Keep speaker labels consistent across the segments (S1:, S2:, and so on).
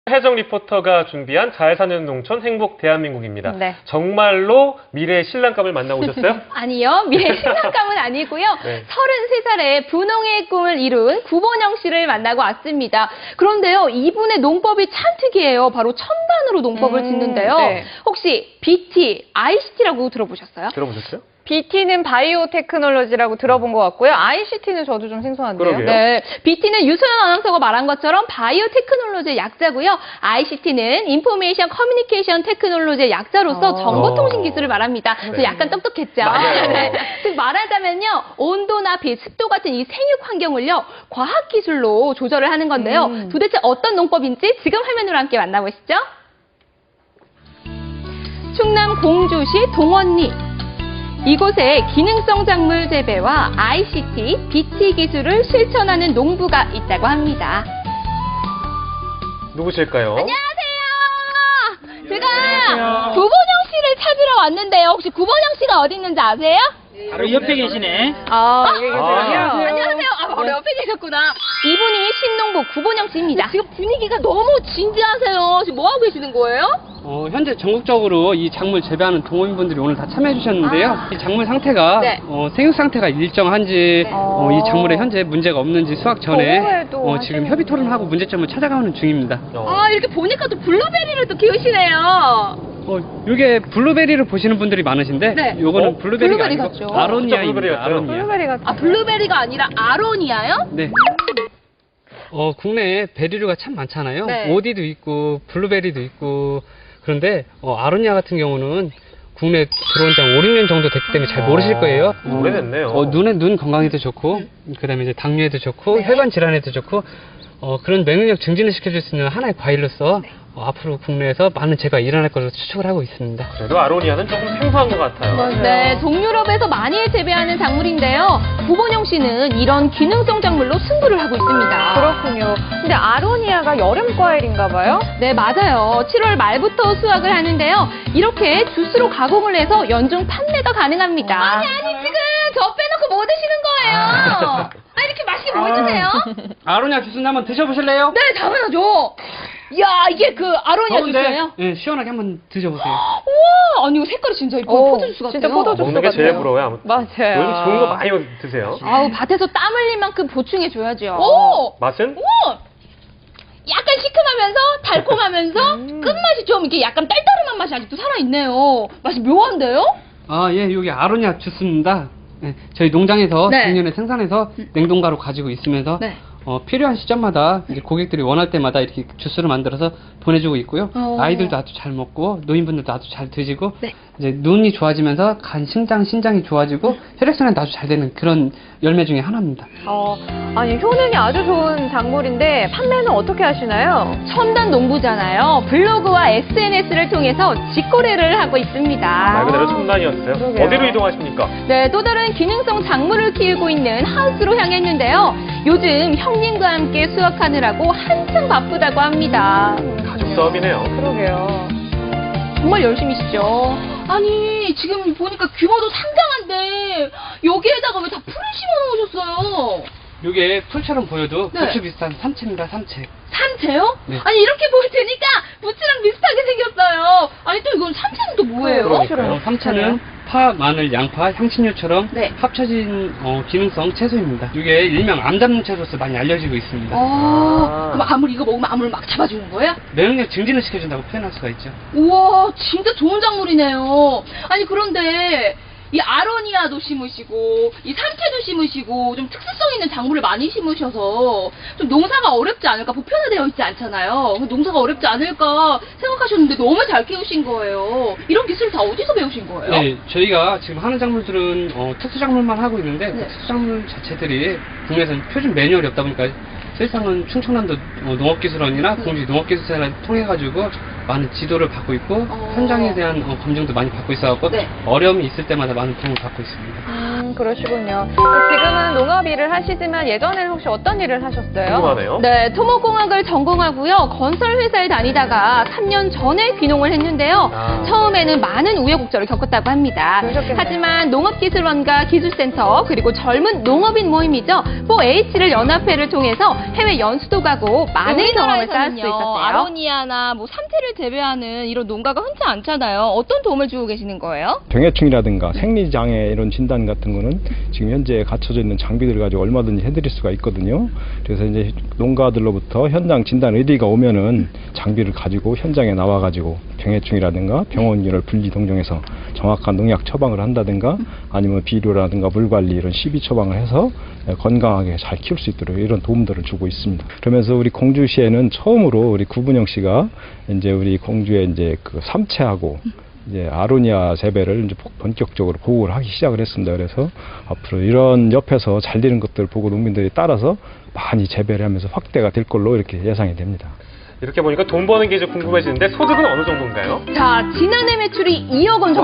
S1: 혜정 리포터가 준비한 잘 사는 농촌 행복 대한민국입니다.
S2: 네.
S1: 정말로 미래의 신랑감을 만나고 오셨어요?
S2: 아니요, 미래 신랑감은 아니고요.
S1: 네.
S2: 33살에 분홍의 꿈을 이룬 구본영 씨를 만나고 왔습니다. 그런데요, 이분의 농법이 참 특이해요. 바로 첨단으로 농법을 짓는데요.
S3: 네.
S2: 혹시 BT, ICT라고 들어보셨어요?
S1: 들어보셨어요?
S3: BT는 바이오 테크놀로지라고 들어본 것 같고요. ICT는 저도 좀 생소한데요.
S1: 그러게요.
S2: 네, BT는 유소연 아나운서가 말한 것처럼 바이오 테크놀로지의 약자고요. ICT는 인포메이션 커뮤니케이션 테크놀로지의 약자로서 정보통신 기술을 말합니다. 저 약간 똑똑했죠?
S1: 맞아요.
S2: 네. 즉 말하자면요, 온도나 빛, 습도 같은 이 생육 환경을요, 과학 기술로 조절을 하는 건데요. 도대체 어떤 농법인지 지금 화면으로 함께 만나보시죠. 충남 공주시 동원리. 이곳에 기능성 작물 재배와 ICT, BT 기술을 실천하는 농부가 있다고 합니다.
S1: 누구실까요?
S2: 안녕하세요. 제가 구본영 씨를 찾으러 왔는데요. 혹시 구본영 씨가 어디 있는지 아세요?
S4: 바로 옆에 계시네.
S3: 여기 계세요.
S2: 안녕하세요. 바로 옆에 계셨구나. 이분이 신농부 구본영 씨입니다. 지금 분위기가 너무 진지하세요. 지금 뭐 하고 계시는 거예요?
S5: 현재 전국적으로 이 작물 재배하는 동호인분들이 오늘 다 참여해 주셨는데요. 이 작물 상태가
S2: 네.
S5: 생육 상태가 일정한지 이 작물에 현재 문제가 없는지 수확 전에
S3: 보고회도
S5: 지금
S3: 하시는군요.
S5: 협의 토론을 하고 문제점을 찾아가는 중입니다.
S2: 이렇게 보니까 또 블루베리를 또 키우시네요.
S5: 이게 블루베리를 보시는 분들이 많으신데
S2: 네.
S5: 요거는 블루베리가
S2: 블루베리
S5: 아니고
S2: 같죠?
S1: 진짜 블루베리
S5: 아로니아입니다.
S1: 같아요.
S5: 아로니아.
S3: 블루베리 같은.
S2: 블루베리가 아니라 아로니아요?
S5: 네. 국내에 베리류가 참 많잖아요.
S2: 네.
S5: 오디도 있고 블루베리도 있고 그런데 아로니아 같은 경우는 국내에 들어온 지 한 5, 6년 정도 됐기 때문에 잘 모르실 거예요.
S1: 오래됐네요.
S5: 눈 건강에도 좋고 그다음에 이제 당뇨에도 좋고 혈관 질환에도 좋고 그런 면역력 증진을 시켜줄 수 있는 하나의 과일로서 앞으로 국내에서 많은 재배가 일어날 것으로 추측을 하고 있습니다.
S1: 그래도 아로니아는 조금 생소한 것 같아요.
S3: 맞아요.
S2: 네, 동유럽에서 많이 재배하는 작물인데요. 구본영 씨는 이런 기능성 작물로 승부를 하고 있습니다.
S3: 그렇군요. 근데 아로니아가 여름 과일인가 봐요?
S2: 네, 맞아요. 7월 말부터 수확을 하는데요. 이렇게 주스로 가공을 해서 연중 판매가 가능합니다. 아니, 지금 저 빼놓고 뭐 드시는 거예요? 이렇게 맛있게 뭐 해주세요?
S5: 아로니아 주스는 한번 드셔보실래요?
S2: 네, 당연하죠. 이야, 이게 그 아로니아 주스예요?
S5: 네, 시원하게 한번 드셔보세요.
S2: 우와, 아니 이거 색깔이 진짜 이뻐. 포도 주스 같아요.
S3: 진짜 포도 주스
S1: 먹는 게 제일
S3: 같아요.
S1: 부러워요. 아무튼.
S3: 맞아요.
S1: 오늘 좋은 거 많이 드세요.
S2: 아우, 밭에서 땀 흘릴 만큼 보충해줘야죠. 오!
S1: 맛은?
S2: 오! 약간 시큼하면서 달콤하면서 끝맛이 좀 이렇게 약간 딸따름한 맛이 아직도 살아있네요. 맛이 묘한데요?
S5: 예, 여기 아로니아 주스입니다. 네, 저희 농장에서
S2: 네.
S5: 작년에 생산해서 냉동가로 가지고 있으면서
S2: 네.
S5: 필요한 시점마다 이제 고객들이 원할 때마다 이렇게 주스를 만들어서 보내주고 있고요. 아이들도 아주 잘 먹고 노인분들도 아주 잘 드시고
S2: 네.
S5: 이제 눈이 좋아지면서 간 신장이 좋아지고 혈액순환도 아주 잘 되는 그런 열매 중에 하나입니다.
S3: 아니, 효능이 아주 좋은 작물인데 판매는 어떻게 하시나요?
S2: 첨단 농부잖아요. 블로그와 SNS를 통해서 직거래를 하고 있습니다.
S1: 말 그대로 첨단이었어요.
S3: 그러게요.
S1: 어디로 이동하십니까?
S2: 네, 또 다른 기능성 작물을 키우고 있는 하우스로 향했는데요. 요즘 형님과 함께 수확하느라고 한창 바쁘다고 합니다.
S1: 가족 사업이네요.
S3: 그러게요.
S2: 정말 열심히시죠. 아니, 지금 보니까 규모도 상당한데 여기에다가 왜 다 풀을 심어 놓으셨어요?
S5: 이게 풀처럼 보여도
S2: 네.
S5: 부추 비슷한 삼채입니다, 삼채.
S2: 산채요?
S5: 네.
S2: 아니, 이렇게 보일 테니까 부추랑 비슷하게 생겼어요. 아니, 또 이건 산채는 또 뭐예요?
S1: 그러니까요.
S5: 삼채는 파, 마늘, 양파, 향신료처럼
S2: 네.
S5: 합쳐진 기능성 채소입니다. 이게 일명 암 잡는 채소로서 많이 알려지고 있습니다.
S2: 그럼 암을 이거 먹으면 암을 막 잡아주는 거예요?
S5: 면역력 증진을 시켜준다고 표현할 수가 있죠.
S2: 우와, 진짜 좋은 작물이네요. 아니, 그런데 이 아로니아도 심으시고 이 삼채도 심으시고 좀 특수성 있는 작물을 많이 심으셔서 좀 농사가 어렵지 않을까, 보편화되어 있지 않잖아요. 농사가 어렵지 않을까 생각하셨는데 너무 잘 키우신 거예요. 이런 기술 다 어디서 배우신 거예요?
S5: 네, 저희가 지금 하는 작물들은 특수 작물만 하고 있는데
S2: 네.
S5: 그 특수 작물 자체들이 국내에서는 표준 매뉴얼이 없다 보니까 실상은 충청남도 농업기술원이나 공주 농업기술센터를 통해가지고 많은 지도를 받고 있고 현장에 대한 검증도 많이 받고 있어갖고
S2: 네.
S5: 어려움이 있을 때마다 많은 도움을 받고 있습니다.
S3: 그러시군요. 지금은 농업 일을 하시지만 예전에는 혹시 어떤 일을 하셨어요?
S1: 궁금하네요.
S2: 네, 토목공학을 전공하고요. 건설회사에 다니다가 3년 전에 귀농을 했는데요.
S1: 아.
S2: 처음에는 많은 우여곡절을 겪었다고 합니다.
S3: 그러셨겠네요.
S2: 하지만 농업기술원과 기술센터 그리고 젊은 농업인 모임이죠. 4H를 연합회를 통해서 해외 연수도 가고 많은 경험을 쌓을 수 있었어요. 아로니아나 뭐 삼태를 재배하는 이런 농가가 흔치 않잖아요. 어떤 도움을 주고 계시는 거예요?
S6: 병해충이라든가 생리장애 이런 진단 같은 거는 지금 현재 갖춰져 있는 장비들 가지고 얼마든지 해드릴 수가 있거든요. 그래서 이제 농가들로부터 현장 진단 의뢰가 오면은 장비를 가지고 현장에 나와가지고 병해충이라든가 병원균을 분리 동정해서 정확한 농약 처방을 한다든가 아니면 비료라든가 물 관리 이런 시비 처방을 해서 건강하게 잘 키울 수 있도록 이런 도움들을 주고 있습니다. 그러면서 우리 공주시에는 처음으로 우리 구분영 씨가 이제 우리 공주에 이제 그 삼채하고 이제 아로니아 재배를 이제 본격적으로 보호를 하기 시작을 했습니다. 그래서 앞으로 이런 옆에서 잘 되는 것들을 보고 농민들이 따라서 많이 재배를 하면서 확대가 될 걸로 이렇게 예상이 됩니다.
S1: 이렇게 보니까 돈 버는 게 좀 궁금해지는데 소득은 어느 정도인가요?
S2: 자, 지난해 매출이 2억 원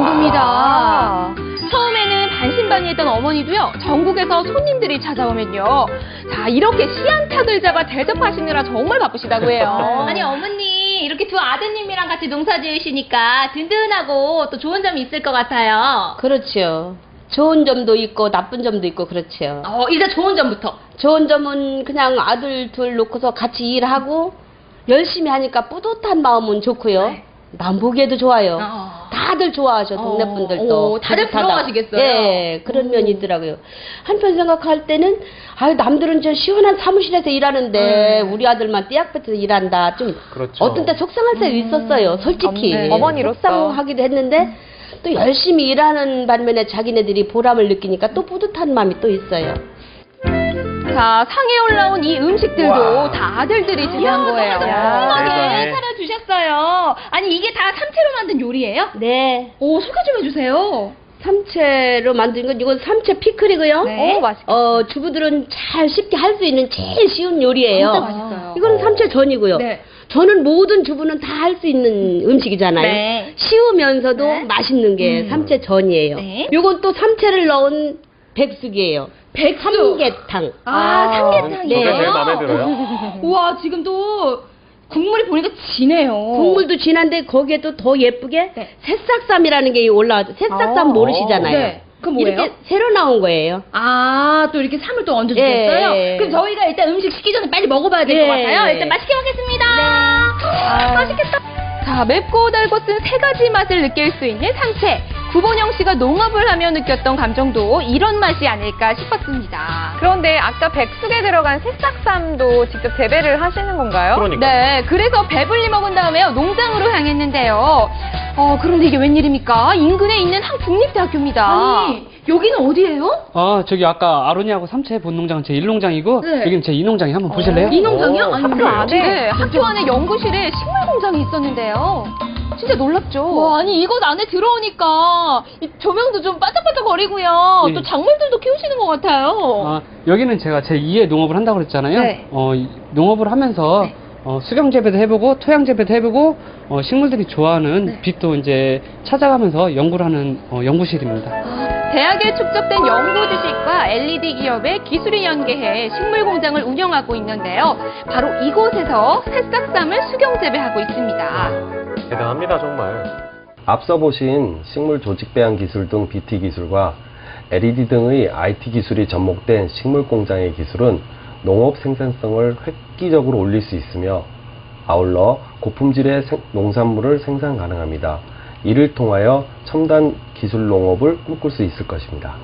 S2: 정도입니다. 처음에는 반신반의했던 어머니도요, 전국에서 손님들이 찾아오면요. 자, 이렇게 씨안탉을 잡아 대접하시느라 정말 바쁘시다고 해요. 아니, 어머니, 이렇게 두 아드님이랑 같이 농사 지으시니까 든든하고 또 좋은 점이 있을 것 같아요.
S7: 그렇죠. 좋은 점도 있고 나쁜 점도 있고 그렇죠.
S2: 일단 좋은 점부터.
S7: 좋은 점은 그냥 아들 둘 놓고서 같이 일하고 열심히 하니까 뿌듯한 마음은 좋고요.
S2: 네.
S7: 남 보기에도 좋아요. 다들 좋아하셔, 동네 분들도.
S2: 다들
S7: 뿌듯하다.
S2: 부러워하시겠어요?
S7: 예, 그런 면이 있더라고요. 한편 생각할 때는, 아유, 남들은 저 시원한 사무실에서 일하는데, 우리 아들만 띠약볕에서 일한다. 좀,
S1: 그렇죠.
S7: 어떤 때 속상할 때도 있었어요, 솔직히.
S3: 네. 어머니로서.
S7: 속상하기도 했는데, 또 열심히 일하는 반면에 자기네들이 보람을 느끼니까 또 뿌듯한 마음이 또 있어요.
S2: 자, 상에 올라온 이 음식들도 다 아들들이 제작한 거예요. 푸짐하게
S1: 세상에.
S2: 차려주셨어요. 아니, 이게 다 삼채로 만든 요리예요?
S7: 네.
S2: 오, 소개 좀 해주세요.
S7: 삼채로 만든 건 이건 삼채 피클이고요.
S2: 네.
S3: 오, 맛있겠다.
S7: 주부들은 잘 쉽게 할 수 있는 제일 쉬운 요리예요.
S2: 진짜 맛있어요.
S7: 이거는 삼채 전이고요.
S2: 네.
S7: 저는 모든 주부는 다 할 수 있는 음식이잖아요.
S2: 네.
S7: 쉬우면서도
S2: 네.
S7: 맛있는 게 삼채 전이에요.
S2: 네.
S7: 이건 또 삼채를 넣은 백숙이에요.
S2: 백숙.
S7: 삼계탕.
S2: 삼계탕이요?
S7: 네.
S1: 제일 마음에 들어요.
S2: 우와, 지금 또 국물이 보니까 진해요.
S7: 국물도 진한데 거기에도 더 예쁘게
S2: 네.
S7: 새싹쌈이라는 게 올라와서 새싹쌈 모르시잖아요.
S2: 네. 그건 뭐예요?
S7: 이렇게 새로 나온 거예요.
S2: 또 이렇게 쌈을 또 얹어주셨어요?
S7: 예.
S2: 그럼 저희가 일단 음식 시기 전에 빨리 먹어봐야 될 것
S7: 예.
S2: 같아요. 일단 맛있게 먹겠습니다. 맛있겠다. 자, 맵고 달고 쓴 세 가지 맛을 느낄 수 있는 삼채. 구본영 씨가 농업을 하며 느꼈던 감정도 이런 맛이 아닐까 싶었습니다.
S3: 그런데 아까 백숙에 들어간 새싹쌈도 직접 재배를 하시는 건가요?
S1: 그러니까.
S2: 네, 그래서 배불리 먹은 다음에요, 농장으로 향했는데요. 그런데 이게 웬일입니까? 인근에 있는 한 국립대학교입니다. 아니, 여기는 어디예요?
S5: 저기 아까 아로니하고 삼채 본 농장은 제 1농장이고
S2: 네.
S5: 여기는 제 2농장이 한번 보실래요?
S2: 이 농장이요?
S1: 오,
S2: 아니,
S1: 학교예요?
S2: 네, 학교 안에 연구실에 식물 공장이 있었는데요. 진짜 놀랍죠? 와, 아니, 이곳 안에 들어오니까 이 조명도 좀 반짝반짝거리고요.
S5: 네.
S2: 또 작물들도 키우시는 것 같아요.
S5: 여기는 제가 제 2의 농업을 한다고 그랬잖아요.
S2: 네.
S5: 농업을 하면서 수경 재배도 해보고 토양 재배도 해보고 식물들이 좋아하는 빛도 이제 찾아가면서 연구를 하는 연구실입니다.
S2: 대학에 축적된 연구 지식과 LED 기업의 기술이 연계해 식물 공장을 운영하고 있는데요. 바로 이곳에서 새싹쌈을 수경 재배하고 있습니다.
S1: 대단합니다, 정말.
S8: 앞서 보신 식물 조직 배양 기술 등 BT 기술과 LED 등의 IT 기술이 접목된 식물 공장의 기술은 농업 생산성을 획기적으로 올릴 수 있으며 아울러 고품질의 농산물을 생산 가능합니다. 이를 통하여 첨단 기술 농업을 꿈꿀 수 있을 것입니다.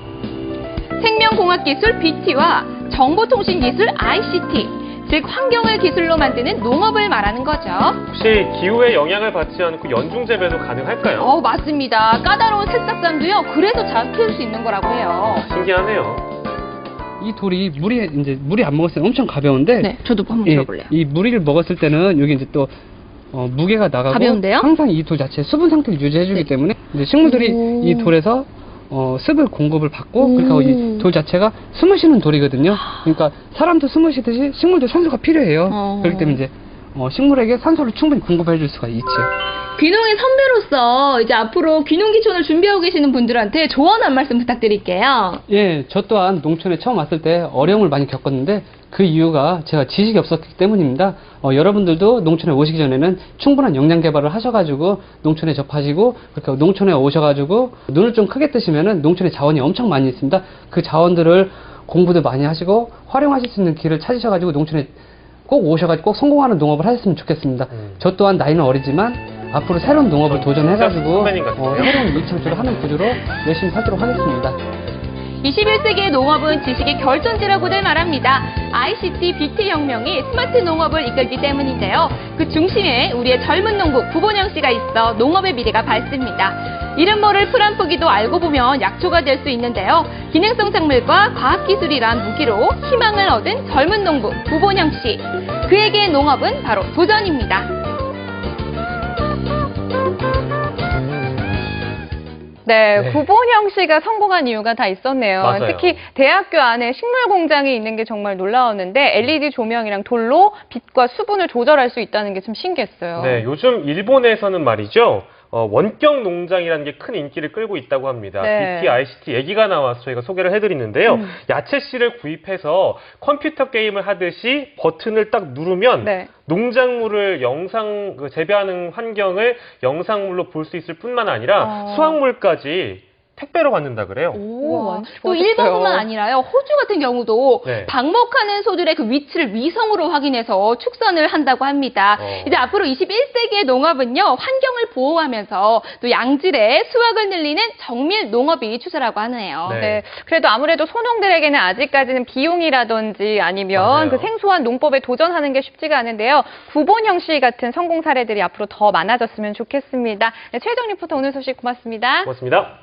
S2: 생명공학기술 BT와 정보통신기술 ICT, 즉 환경을 기술로 만드는 농업을 말하는 거죠.
S1: 혹시 기후에 영향을 받지 않고 연중 재배도 가능할까요?
S2: 맞습니다. 까다로운 새싹쌈도요, 그래서 잘 키울 수 있는 거라고 해요.
S1: 신기하네요.
S5: 이 돌이 물이 안 먹었을 때 엄청 가벼운데
S2: 네, 저도 한번 들어볼래요.
S5: 이 무리를 먹었을 때는 여기 이제 또 무게가 나가고
S2: 가벼운데요?
S5: 항상 이 돌 자체 수분 상태를 유지해주기 때문에 이제 식물들이 이 돌에서 습을 공급을 받고 그러니까 이 돌 자체가 숨을 쉬는 돌이거든요. 그러니까 사람도 숨을 쉬듯이 식물도 산소가 필요해요. 그렇기 때문에 이제 식물에게 산소를 충분히 공급해 줄 수가 있죠.
S2: 귀농의 선배로서 이제 앞으로 귀농귀촌을 준비하고 계시는 분들한테 조언 한 말씀 부탁드릴게요.
S5: 예, 저 또한 농촌에 처음 왔을 때 어려움을 많이 겪었는데 그 이유가 제가 지식이 없었기 때문입니다. 여러분들도 농촌에 오시기 전에는 충분한 역량 개발을 하셔가지고 농촌에 접하시고 그렇게 농촌에 오셔가지고 눈을 좀 크게 뜨시면은 농촌에 자원이 엄청 많이 있습니다. 그 자원들을 공부도 많이 하시고 활용하실 수 있는 길을 찾으셔가지고 농촌에 꼭 오셔가지고 꼭 성공하는 농업을 하셨으면 좋겠습니다. 저 또한 나이는 어리지만 앞으로 새로운 농업을 도전해가지고
S1: 선배님 같으세요?
S5: 새로운 일창조를 하는 구조로 열심히 살도록 하겠습니다.
S2: 21세기의 농업은 지식의 결전지라고들 말합니다. ICT, 빅티 혁명이 스마트 농업을 이끌기 때문인데요. 그 중심에 우리의 젊은 농부 구본영 씨가 있어 농업의 미래가 밝습니다. 이름 모를 풀 한 포기도 알고 보면 약초가 될 수 있는데요. 기능성 작물과 과학기술이란 무기로 희망을 얻은 젊은 농부 구본영 씨. 그에게 농업은 바로 도전입니다.
S3: 네,
S1: 네.
S3: 구본영 씨가 성공한 이유가 다 있었네요.
S1: 맞아요.
S3: 특히 대학교 안에 식물 공장이 있는 게 정말 놀라웠는데 LED 조명이랑 돌로 빛과 수분을 조절할 수 있다는 게 좀 신기했어요.
S1: 네, 요즘 일본에서는 말이죠. 원격 농장이라는 게 큰 인기를 끌고 있다고 합니다.
S3: 네.
S1: BT, ICT 얘기가 나와서 저희가 소개를 해드리는데요. 야채 씨를 구입해서 컴퓨터 게임을 하듯이 버튼을 딱 누르면
S3: 네.
S1: 농작물을 재배하는 환경을 영상물로 볼 수 있을 뿐만 아니라 수확물까지 택배로 받는다 그래요.
S2: 오,
S3: 완전
S2: 또
S3: 좋아졌어요.
S2: 일본뿐만 아니라요. 호주 같은 경우도
S1: 네.
S2: 방목하는 소들의 그 위치를 위성으로 확인해서 축선을 한다고 합니다. 이제 앞으로 21세기의 농업은요. 환경을 보호하면서 또 양질의 수확을 늘리는 정밀 농업이 추세라고 하네요.
S1: 네.
S3: 네, 그래도 아무래도 소농들에게는 아직까지는 비용이라든지 아니면
S1: 맞아요.
S3: 그 생소한 농법에 도전하는 게 쉽지가 않은데요. 구본영 씨 같은 성공 사례들이 앞으로 더 많아졌으면 좋겠습니다. 네, 최혜정 리포터 오늘 소식 고맙습니다.
S1: 고맙습니다.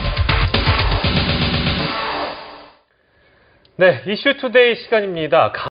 S1: 네, 이슈투데이 시간입니다.